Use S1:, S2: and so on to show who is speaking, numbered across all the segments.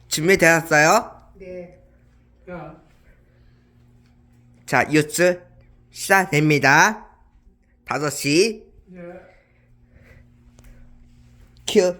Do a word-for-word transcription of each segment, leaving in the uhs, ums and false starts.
S1: 준비되었어요?
S2: 네.
S3: 야,
S1: 자, 뉴스 시작됩니다. 다섯 시
S3: 예.
S1: 큐.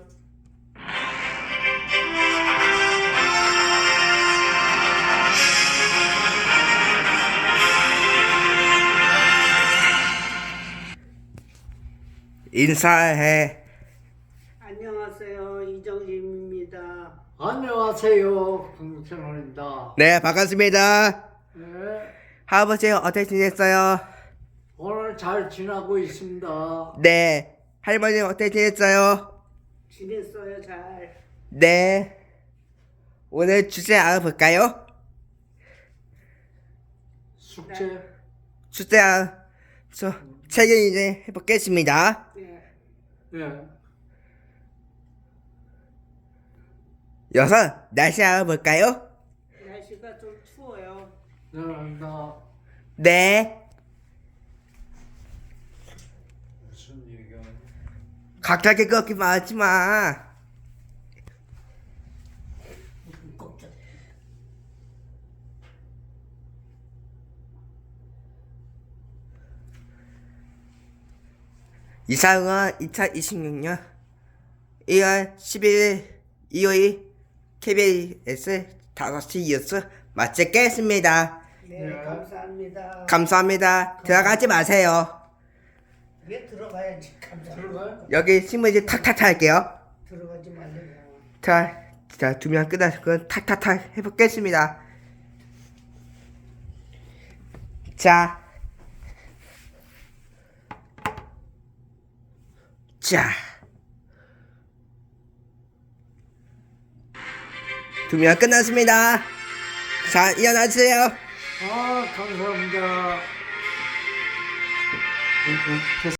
S1: 인사해.
S2: 안녕하세요. 이정림입니다.
S3: 안녕하세요. 강국채널입니다.
S1: 네, 반갑습니다.
S3: 네.
S1: 할아버지 어떻게 지냈어요?
S3: 오늘 잘 지나고 있습니다.
S1: 네. 할머니 어떻게 지냈어요?
S2: 지냈어요, 잘.
S1: 네. 오늘 주제 알아볼까요?
S3: 숙제.
S1: 주제 알, 저, 책을 이제 해보겠습니다.
S2: 네.
S3: 예.
S1: 여섯, 날씨 알아볼까요?
S2: 날씨가 좀 추워요.
S3: 네, 나
S1: 네.
S3: 무슨 얘기야?
S1: 갑자기 그렇게 말하지 마. 이상은 이천이십육 년 일월 십일 일 일요일 케이비에스 다섯 시 뉴스 마치겠습니다.
S2: 네,
S3: 네.
S2: 감사합니다.
S1: 감사합니다. 들어가지 마세요.
S2: 왜 들어가야지? 감사합니다.
S3: 들어가요?
S1: 여기 신문지 탁탁탁 할게요.
S2: 들어가지 말래요.
S1: 자, 자, 두 명 끝나서 그 탁탁탁 해보겠습니다. 자, 자, 두 명 끝났습니다. 자, 일어나세요.
S3: 아, 감사합니다.